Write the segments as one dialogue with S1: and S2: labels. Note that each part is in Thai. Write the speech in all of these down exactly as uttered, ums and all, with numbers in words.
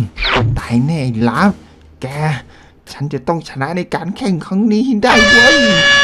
S1: ตายแน่ลับแกฉันจะต้องชนะในการแข่งครั้งนี้ได้เว้ย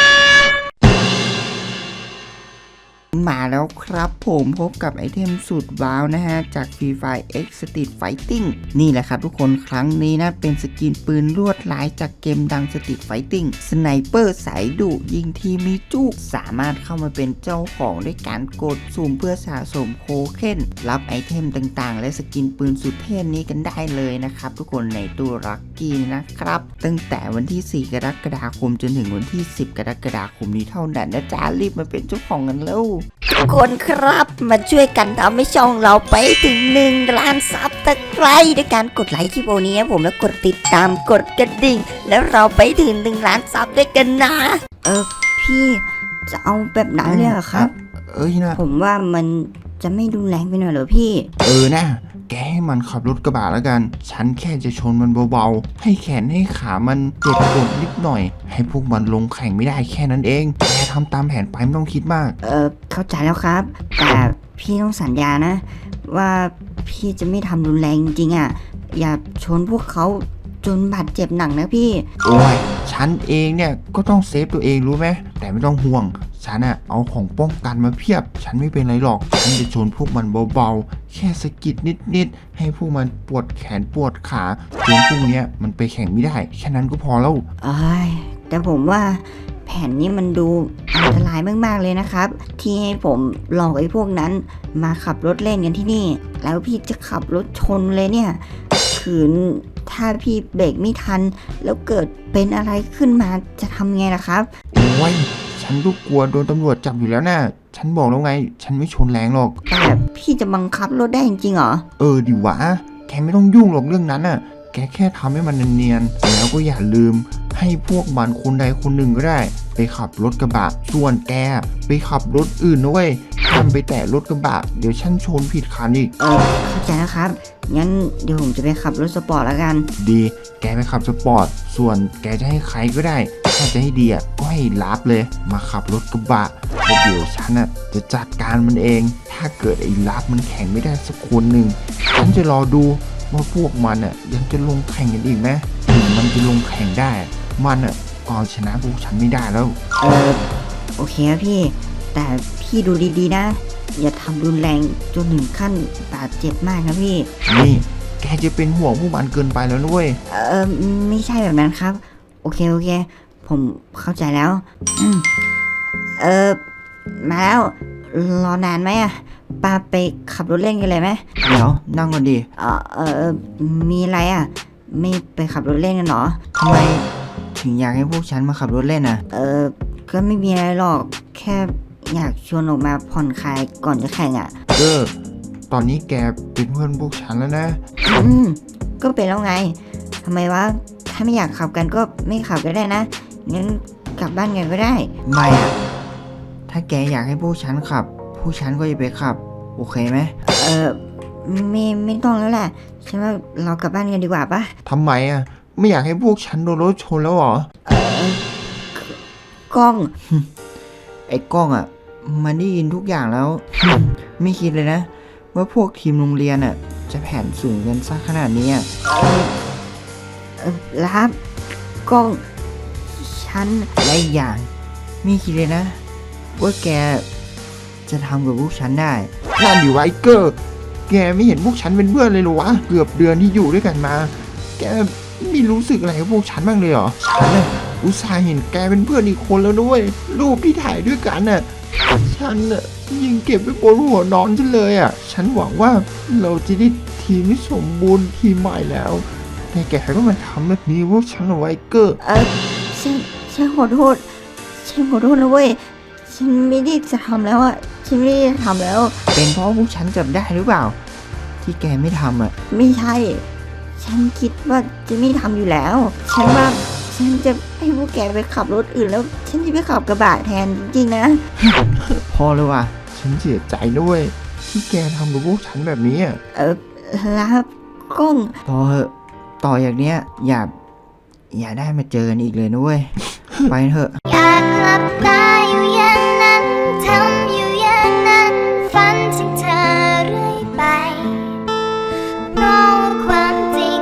S1: มาแล้วครับผมพบกับไอเทมสุดว้าวนะฮะจาก Free Fire X Street Fighting นี่แหละครับทุกคนครั้งนี้นะเป็นสกินปืนลวดลายจากเกมดัง Street Fighting สไนเปอร์สายดุยิงทีมีจุกสามารถเข้ามาเป็นเจ้าของด้วยการกดสุ่มเพื่อสะสมโคเคนรับไอเทมต่างๆและสกินปืนสุดเท่นี้กันได้เลยนะครับทุกคนในตัวลัคกี้นะครับตั้งแต่วันที่สี่กรกฎาคมจนถึงวันที่สิบกรกฎาคมนี้เท่านั้นนะจ๊ะรีบมาเป็นเจ้าของกันแล้ว
S2: ทุกคนครับมาช่วยกันทำให้ช่องเราไปถึงหนึ่งล้านซับตะไคร้ด้วยการกดไลค์คลิปโอนี้ผมแล้วกดติดตามกดกระดิ่งแล้วเราไปถึงหนึ่งล้านซับด้วยกันนะเออพี่จะเอาแบบนั้นเลยเหรอครับ
S1: เอ้ยนะ
S2: ผมว่ามันจะไม่รุนแรงไปหน่อยเหรอพี่
S1: เออนะแกให้มันขับรถกระบะแล้วกันฉันแค่จะชนมันเบาๆให้แขนให้ขามันเจ็บปวดนิดหน่อยให้พวกมันลงแข่งไม่ได้แค่นั้นเองแกทำตามแผนไปไม่ต้องคิดมาก
S2: เออเข้าใจแล้วครับแต่พี่ต้องสัญญานะว่าพี่จะไม่ทำรุนแรงจริงๆอ่ะอย่าชนพวกเขาจนบาดเจ็บหนักนะพี่
S1: โอ้ยฉันเองเนี่ยก็ต้องเซฟตัวเองรู้ไหมแต่ไม่ต้องห่วงฉันอะเอาของป้องกันมาเพียบฉันไม่เป็นไรหรอกฉันจะชนพวกมันเบาๆแค่สะกิดนิดๆให้พวกมันปวดแขนปวดขาจนพวกเนี้ยมันไปแข่งไม่ได้แค่นั้นก็พอแล้ว
S2: เอ้ยแต่ผมว่าแผนนี้มันดูอันตรายมากๆเลยนะครับที่ให้ผมหลอกไอ้พวกนั้นมาขับรถเล่นกันที่นี่แล้วพี่จะขับรถชนเลยเนี่ยขืนถ้าพี่เบรกไม่ทันแล้วเกิดเป็นอะไรขึ้นมาจะทำไงล่ะครับ
S1: โอ้ยฉันก็กลัวโดนตำรวจจับอยู่แล้วนะฉันบอกแล้วไงฉันไม่ชนแรงหรอก
S2: แต่พี่จะบังคับรถได้จริงๆเหรอ
S1: เออดิวะแกไม่ต้องยุ่งหรอกเรื่องนั้นน่ะแกแค่ทำให้มันเนียนๆแล้วก็อย่าลืมให้พวกมันคนใดคนหนึ่งก็ได้ไปขับรถกระบะส่วนแกไปขับรถอื่นด้วยห้ามไปแตะรถกระบะเดี๋ยวฉันชนผิดคันอีก
S2: เออเข้าใจแล้วครับงั้นเดี๋ยวผมจะไปขับรถสปอร์ตแล้วกัน
S1: ดีแกไปขับสปอร์ตส่วนแกจะให้ใครก็ได้ถ้าจะให้ดีอ่ะก็ให้ลับเลยมาขับรถกระบะแล้วเดี๋ยวฉันอ่ะจะจัดการมันเองถ้าเกิดไอ้ลับมันแข่งไม่ได้สักคนหนึ่งฉันจะรอดูว่าพวกมันอ่ะยังจะลงแข่งกันอีกไหมถึงมันจะลงแข่งได้มันอ่ะก็ชนะพวกฉันไม่ได้แล้ว
S2: เออโอเคครับพี่แต่พี่ดูดีๆนะอย่าทำรุนแรงจนถึงขั้นบาดเจ็บมากนะพี่
S1: นี่แกจะเป็นห่วงพวกมันเกินไปแล้วด้วย
S2: เออไม่ใช่แบบนั้นครับโอเคโอเคผมเข้าใจแล้วเออมาแล้วรอนานไหมอะป้าไปขับรถเล่นกันเลยไหม
S1: เดี๋ยวนั่งก่อนดิ
S2: เออเออมีอะไรอะไม่ไปขับรถเล่นกันหรอ
S1: ทำไมถึงอยากให้พวกฉันมาขับรถเล่นอ่ะ
S2: เออก็ไม่มีอะไรหรอกแค่อยากชวนออกมาผ่อนคลายก่อนจะแข่งอ่ะ
S1: เออตอนนี้แกเป็นเพื่อนพวกฉันแล้วนะ
S2: อืมก็เป็นแล้วไงทำไมวะถ้าไม่อยากขับกันก็ไม่ขับก็ได้นะงั้นกลับบ้านกันก็ได้
S1: ไม่อ่ะถ้าแกอยากให้พวกฉันขับพวกฉันก็จะไปขับโอเคไหม
S2: เออไม่ไม่ต้องแล้วแหละฉันว่าเรากลับบ้านกันดีกว่าปะ
S1: ทำไมอ่ะไม่อยากให้พวกฉันโดนรถชนแล้วหรอ
S2: เออกล้อง
S1: ไอ้กล้องอ่ะมันได้ยินทุกอย่างแล้วไม่คิดเลยนะว่าพวกทีมโรงเรียนอ่ะจะแผนสูงกันซะขนาดนี้อ่ะ
S2: เออรับกล้องฉัน
S1: และอีกอย่างไม่คิดเลยนะว่าแกจะทำกับพวกฉันได้นั่นอยู่ไวเกอร์แกไม่เห็นพวกฉันเป็นเพื่อนเลยหรอวะเกือบเดือนที่อยู่ด้วยกันมาแกไม่รู้สึกอะไรกับพวกฉันบ้างเลยเหรอฉันน่ะอุตส่าห์เห็นแกเป็นเพื่อนอีกคนแล้วด้วยรูปที่ถ่ายด้วยกันน่ะฉันน่ะยังเก็บไว้บนหัวนอนฉันเลยอ่ะฉันหวังว่าเราจะได้ทีมที่สมบูรณ์ทีมใหม่แล้วแต่แกก็มาทำแบบนี้พวกฉันเอาไว้เกอร์
S2: เออฉันฉันขอโทษฉันขอโทษนะเว้ยฉันไม่ได้จะทำแล้วอ่ะฉันไม่ได้ทำแล้ว
S1: เป็นเพราะพวกฉันจับได้หรือเปล่าที่แกไม่ทำอ่ะ
S2: ไม่ใช่ฉันคิดว่าจะไม่ทำอยู่แล้วฉันว่าฉันจะให้พวกแกไปขับรถอื่นแล้วฉันจะไปขับกระบะแทนจริงๆนะ
S1: พอเลยว่ะฉันเสียใจด้วยที่แกทำกับพวกฉันแบบนี้อ่ะ
S2: เออรับกล้อง
S1: พอเหอะต่ออย่างเนี้ยอย่าอย่าได้มาเจอกันอีกเลยนะเว้ยไปเถอะ
S3: อยากหลับตาอยู่อย่างนั้นทำอยู่อย่างนั้นฝันถึงเธอเรื่อยไปเพราะว่าความจริง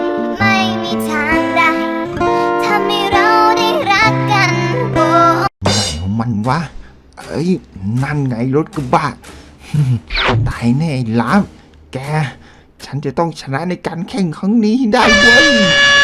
S4: วะเอ้ยนั่นไงรถกระบะ ตายแน่ไอ้ล้ามแกฉันจะต้องชนะในการแข่งครั้งนี้ให้ได้เว้ย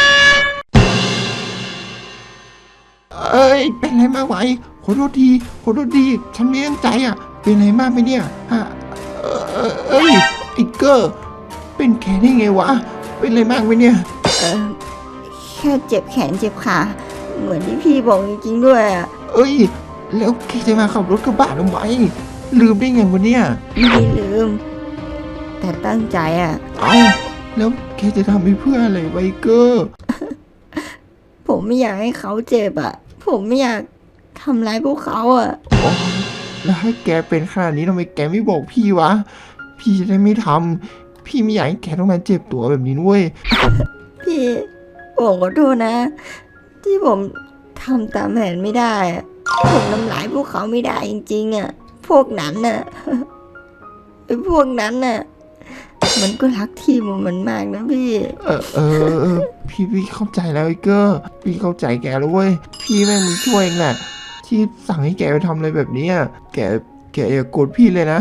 S4: เอ้ยเป็นไรมากไหมขอโทษทีขอโทษทีฉันไม่ตั้งใจอ่ะเป็นไรมากไหมเนี่ยฮะเอ่อเอ้ยไอ้เกอร์เป็นแค่ได้ไงวะเป็นไรมากไหมเนี่ย
S2: เออแค่เจ็บแขนเจ็บขาเหมือนที่พี่บอกจริงๆด้วยอะ
S4: เอ้ยแล้วแกจะมาขับรถกระบะทำไมลืมได้ไงวะเนี่ย
S2: ไม่ได้ลืม แต่ตั้งใจอะ
S4: เอ้าแล้วแกจะทำไปเพื่ออะไรไวเกอร์
S2: ผมไม่อยากให้เขาเจ็บอะผมไม่อยากทำร้ายพวกเขาอะ
S4: แล้วถ้าแกเป็นขนาดนี้ทำไมแกไม่บอกพี่วะพี่จะได้ไม่ทำพี่ไม่อยากให้แกต้องมาเจ็บตัวแบบนี้ด้วย
S2: พี่ผมขอโทษนะ ที่ผมทำตามแผนไม่ได้อะผมทำร้ายพวกเขาไม่ได้จริงๆอะพวกนั้นน่ะ ไอ้พวกนั้นน่ะ มันก็รักทีมของมันมากนะพี่
S4: เออเออเออพี่พี่เข้าใจแล้วไอ้เกอร์พี่เข้าใจแกแล้วเว้ยพี่แม่งมึงช่วยเองแหละที่สั่งให้แกไปทำอะไรแบบนี้อะแกแกอย่าโกรธพี่เลยนะ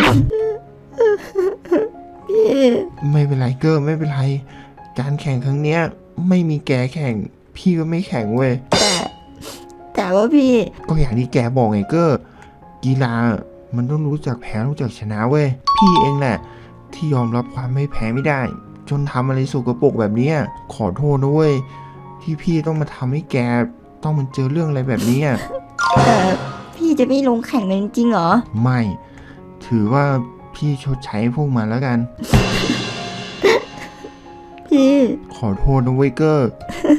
S2: พี่
S4: ไม่เป็นไรเกอร์ไม่เป็นไรการแข่งครั้งเนี้ย ไม่มีแกแข่ง พี่ก็ไม่แข่งเว้ย
S2: แต่ แต่ว่าพี่
S4: ก็อย่างที่แกบอกไงเกอร์กีฬามันต้องรู้จักแพ้รู้จักชนะเว้ยพี่เองแหละ ที่ยอมรับความไม่แพ้ไม่ได้ จนทำอะไรสกปรกแบบเนี้ยขอโทษนะเว้ยที่พี่ต้องมาทำให้แกต้องมันเจอเรื่องอะไรแบบนี้อะ
S2: แต่พี่จะไม่ลงแข่งเลยจริงๆเหรอ
S4: ไม่ ถือว่าพี่ชดใช้พวกมันแล้วกัน
S2: พี่
S4: ขอโทษนะเว้ยเกอร์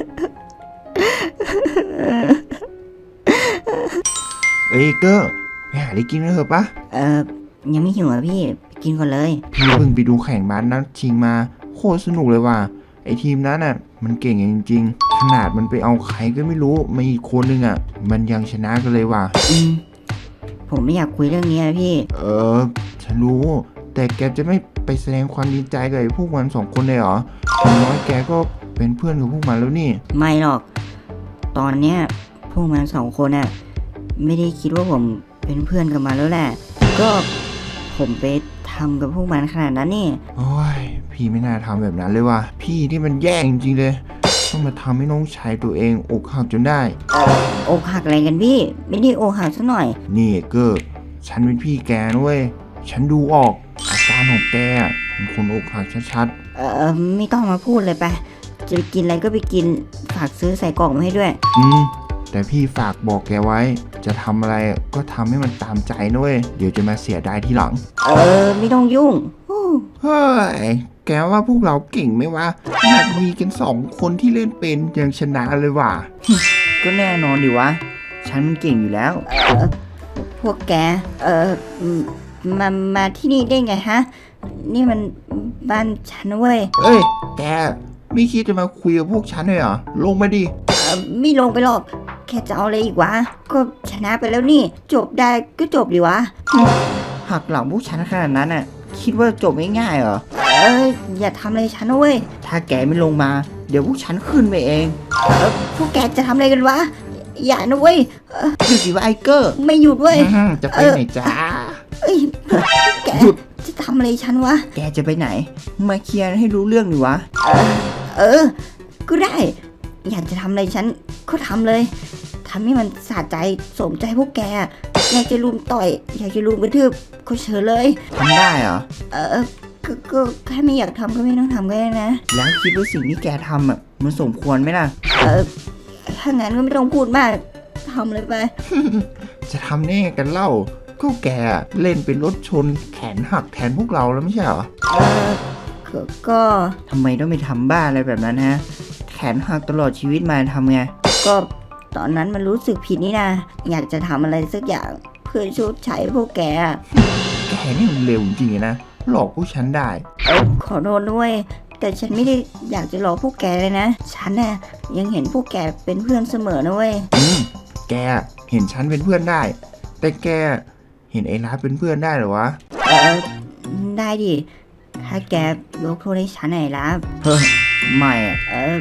S4: เอ้ยเกอร์ไปหาอะไรกินกันเถอะปะ
S2: เอ่อ ยังไม่หิวอ่ะพี่ไปกินก่อนเลย
S4: พี่เพิ่งไปดูแข่งบาสนัดชิงมาโคตรสนุกเลยว่ะไอทีมนั้นอ่ะ มันเก่งจริงๆ ขนาดมันไปเอาใครก็ไม่รู้มาอีกคนนึงอ่ะ มันยังชนะกันเลยว่ะ
S2: อืม ผมไม่อยากคุยเรื่องนี้นะพี่
S4: เออ ฉันรู้ แต่แกจะไม่ไปแสดงความดีใจกับไอ้พวกมันสองคนเลยเหรออย่างน้อยแกก็เป็นเพื่อนกับพวกมันแล้วนี่
S2: ไม่หรอก ตอนเนี้ยพวกมันสองคนน่ะไม่ได้คิดว่าผมเป็นเพื่อนกับมันแล้วแหละ ก็ผมไปทำกับพวกมันขนาดนั้นนี่
S4: โอ้ย พี่ไม่น่าทำแบบนั้นเลยว่ะ พี่ที่มันแย่จริงๆเลย ต้องมาทำให้น้องชายตัวเองอกหักจนได้
S2: อกหักอะไรกันพี่ ไม่ได้อกหักซะหน่อย
S4: นี่เกอร์ฉันเป็นพี่แกนะเว้ย ฉันดูออก อาการของแกอะเป็นคนอกหักชัด
S2: เออไม่ต้องมาพูดเลยไป จะไปกินอะไรก็ไปกิน ฝากซื้อใส่กล่องมาให้ด้วย
S4: ๆ อืม แต่พี่ฝากบอกแกไว้ จะทำอะไรก็ทำให้มันตามใจนะเว้ย เดี๋ยวจะมาเสียดายทีหลัง
S2: เออ ไม่ต้องยุ่งอู้
S4: เฮ้ย แกว่าพวกเราเก่งไหมวะขนาดมีกันสองคนที่เล่นเป็นยังชนะเลยว่ะ
S1: ก็แน่นอนดิวะ ฉันมันเก่งอยู่แล้ว
S2: เออพวกแก เออมามาที่นี่ได้ไงฮะ นี่มันบ้านฉันนะเว้ย
S4: เอ้ย แกไม่คิดจะมาคุยกับพวกฉันเลยเหรอ ลงมาดิ
S2: เออไม่ลงไปหรอก แค่จะเอาอะไรอีกวะ ก็ชนะไปแล้วนี่ จบได้ก็จบดีวะ
S1: หักหลังพวกฉันขนาดนั้นน่ะ คิดว่าจบง่ายๆเหรอ
S2: เอออย่าทำอะไรฉันนะเว้ย
S1: ถ้าแกไม่ลงมา เดี๋ยวพวกฉันขึ้นไปเอง
S2: พวกแกจะทำอะไรกันวะ อย่านะเว้ย
S1: หยุดดิว่าไอเกอร์
S2: ไม่หยุดเว้ย
S4: อื้อหือจะไปไหนจ้า
S2: เอ้ยแก
S1: หยุด
S2: จะทำอะไรฉันวะ
S1: แกจะไปไหน มาเคลียร์ให้รู้เรื่องดิวะ
S2: เออ ก็ได้ อยากจะทำอะไรฉันก็ทำเลยทำให้มันสะใจสมใจพวกแก อยากจะลุมต่อย อยากจะลุมกระทืบก็เชิญเลย
S1: ทำได้เหรอ
S2: เออก็ก็แค่ไม่อยากทำก็ไม่ต้องทำก็ได้นะ
S1: แล้วคิดว่าสิ่งที่แกทำอ่ะ มันสมควรไหมล่ะ
S2: เออ ถ้างั้นก็ไม่ต้องพูดมากทำเลยไป
S4: จะทำแน่กันเล่า ก็แกเล่นเป็นรถชนแขนหักแทนพวกเราแล้วไม่ใช่เหรอ
S2: เออก็ก็
S1: ทำไมต้องไปทำบ้าอะไรแบบนั้นฮะ แขนหักตลอดชีวิตมาทำไง
S2: ก็ตอนนั้นมันรู้สึกผิดนี่นะ อยากจะทำอะไรสักอย่างเพื่อชดใช้พวกแกอะ
S4: แกนี่มันเร็วจริงๆนะ หลอกพวกฉันได้
S2: เออขอโทษด้วย แต่ฉันไม่ได้อยากจะหลอกพวกแกเลยนะ ฉันน่ะยังเห็นพวกแกเป็นเพื่อนเสมอนะเว้ย
S4: อืม แกเห็นฉันเป็นเพื่อนได้ แต่แกเห็นไอ้ร้านเป็นเพื่อนได้เหรอวะ
S2: เออได้ดิ ถ้าแกยกโทษให้ฉันหน่อยละ
S1: เฮ้ย ไม่อ่ะ
S2: เออท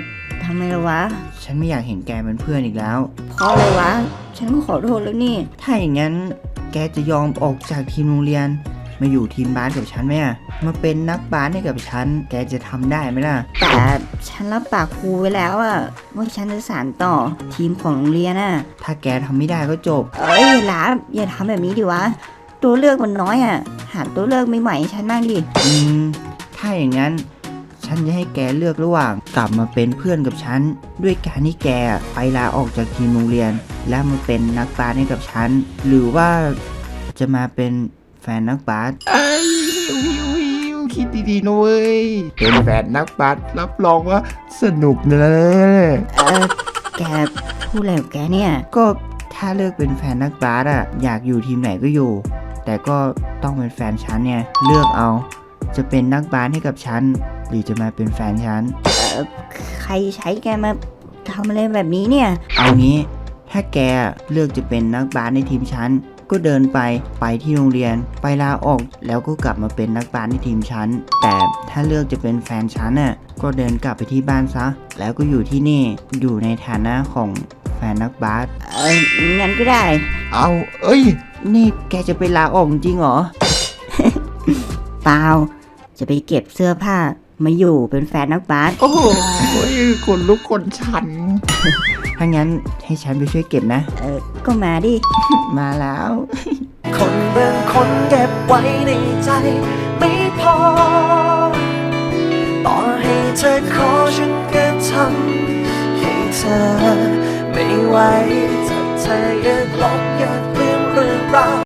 S2: ำไมล่ะวะ
S1: ฉันไม่อยากเห็นแกเป็นเพื่อนอีกแล้ว
S2: เพราะอะไรวะ ฉันก็ขอโทษแล้วนี่
S1: ถ้าอย่างนั้นแกจะยอมออกจากทีมโรงเรียน มาอยู่ทีมบาสกับฉันไหมอะมาเป็นนักบาสให้กับฉัน แกจะทำได้ไหมล่ะ
S2: แต่ฉันรับปากครูไว้แล้วอะว่าฉันจะสานต่อทีมของโรงเรียนอะ
S1: ถ้าแกทำไม่ได้ก็จบ
S2: เอ้ยหลาอย่าทำแบบนี้ดิวะ ตัวเลือกมันน้อยอะหาตัวเลือกใหม่ๆให้ฉันบ้างดิ
S1: อืม ถ้าอย่างนั้น ฉันจะให้แกเลือกระหว่างกลับมาเป็นเพื่อนกับฉัน ด้วยการที่แกไปลาออกจากทีมโรงเรียน และมาเป็นนักบาสให้กับฉัน หรือว่าจะมาเป็นแฟนนักบาส
S4: ไอ้วิววิวคิดดีๆนะเว้ย เป็นแฟนนักบาสรับรองว่าสนุกนะ
S2: เออแกพูดอะไรของแกเนี่ย
S1: ก็ถ้าเลือกเป็นแฟนนักบาสอะอยากอยู่ทีมไหนก็อยู่ แต่ก็ต้องเป็นแฟนฉันไงเลือกเอา จะเป็นนักบาสให้กับฉันหรือจะมาเป็นแฟนฉัน
S2: ใครใช้แกมาทำอะไรแบบนี้เนี่ย
S1: เอางี้ ถ้าแกเลือกจะเป็นนักบาสในทีมฉัน ก็เดินไปไปที่โรงเรียน ไปลาออกแล้วก็กลับมาเป็นนักบาสในทีมฉัน แต่ถ้าเลือกจะเป็นแฟนฉันน่ะก็เดินกลับไปที่บ้านซะ แล้วก็อยู่ที่นี่อยู่ในฐานะของแฟนนักบาส
S2: เอองั้นก็ได้
S4: เอาเอ้ย
S1: นี่แกจะไปลาออกจริงเหรอ
S2: เปล่า จะไปเก็บเสื้อผ้ามาอยู่เป็นแฟนนักบาส
S4: โอ้โหคนลุกคนชัน
S1: ถ้างั้นให้ฉันไปช่วยเก็บนะ
S2: เออก็มาดิ
S1: มาแล้ว
S5: คนบางคนเก็บไว้ในใจไม่พอ ต่อให้เธอขอฉันก็ทำให้เธอไม่ไหวถ้าเธออยากลอง